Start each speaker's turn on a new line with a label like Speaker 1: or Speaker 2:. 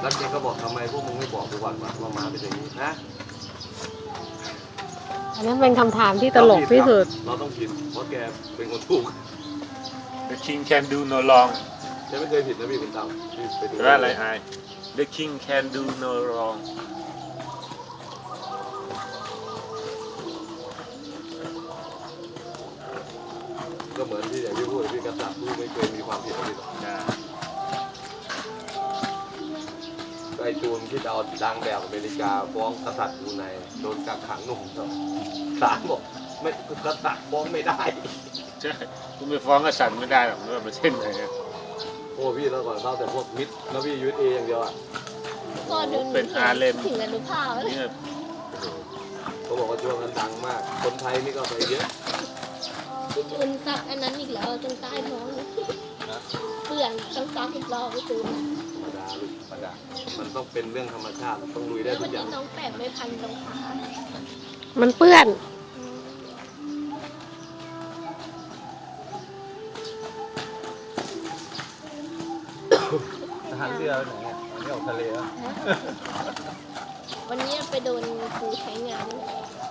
Speaker 1: แล้วแกก็บอกทำไมพวกมึงไม่บอกกูก่อนว่าม้าเป็นอย่างนี้นะ
Speaker 2: อันนั้นเป็นคำถามที่ตลกที่สุด
Speaker 1: เราต้องผิดเพราะแกเป็นคนถูก
Speaker 3: The king can do no wrong
Speaker 1: แกไม่เคยผิดนะพี่คุณตั้มพี่ไปดู
Speaker 3: ว่าอะไรไอ้ The king can do no wrong
Speaker 1: ก็เหมือนที่อย่างที่พูดพี่กษัตริย์ผู้ไม่เคยมีความผิดอะไรหรอกก็ไอ้จูนที่จะเอาดังแบบอเมริกาฟ้องกษัตริย์บรูไนโดนกักขังหนุ่มศาลบอกไม่กษัตริย์ฟ้องไม่ได้
Speaker 3: ใช่คุณไปฟ้องกษัตริย์ไม่ได้หรอกว่าประเทศไหน
Speaker 1: โอ้พี่แล้วก่อนเข้าแต่พวกมิดแล้วพี่ยูเออย่างเดียวอ่ะ
Speaker 4: พอดู
Speaker 3: เป็นอาเลม
Speaker 4: ถึงอนุภาพเลย
Speaker 3: เนี่ย
Speaker 1: เขาบอกว่าช่วงนั้นดังมากคนไทยนี่ก็ไปเยอะ
Speaker 4: จูนซักอันนั้นอีกแล้วจนใต้ท้องเปื่อนต้องซักอีกรอบไปจูน
Speaker 1: ธรรมดาลูกธรรมดามันต้องเป็นเรื่องธรรมชาติต้องลุยได้
Speaker 4: แล้ว
Speaker 1: ทุ
Speaker 4: วัน
Speaker 1: กอ
Speaker 4: นี้
Speaker 1: ย่าง
Speaker 4: น้องแปะไม่พันตรงขา
Speaker 2: มันเปื้อน
Speaker 1: ทหารเรือไปไหนอ่ะวันนี้ออกทะเลอ่ะ
Speaker 4: วันนี้ไปโดนครูใช้งาน